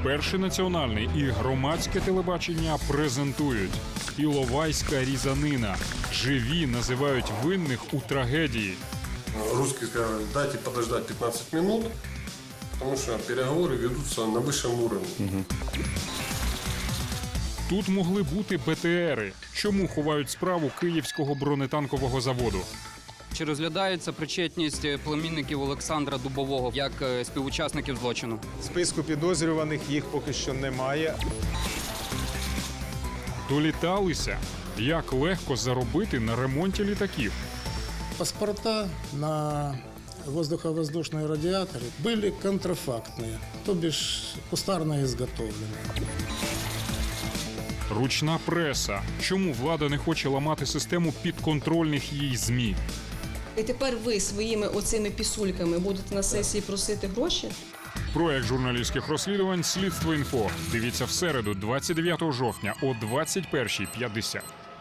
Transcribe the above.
Перший національний і громадське телебачення презентують Іловайська різанина. Живі називають винних у трагедії. Русские сказали, дайте подождать 15 минут, потому что переговоры ведутся на высшем уровне. Тут могли бути БТРи. Чому ховають справу Київського бронетанкового заводу? Чи розглядається причетність племінників Олександра Дубового як співучасників злочину? Списку підозрюваних їх поки що немає. Доліталися? Як легко заробити на ремонті літаків? Паспорта на воздуховоздушные радиаторы были контрафактные, то бишь кустарно изготовленные. Ручна преса. Чому влада не хоче ламати систему підконтрольних їй ЗМІ? І тепер ви своїми оцими пісульками будете на сесії просити гроші? Проект журналістських розслідувань «Слідство інфо». Дивіться в середу, 29 жовтня о 21:50.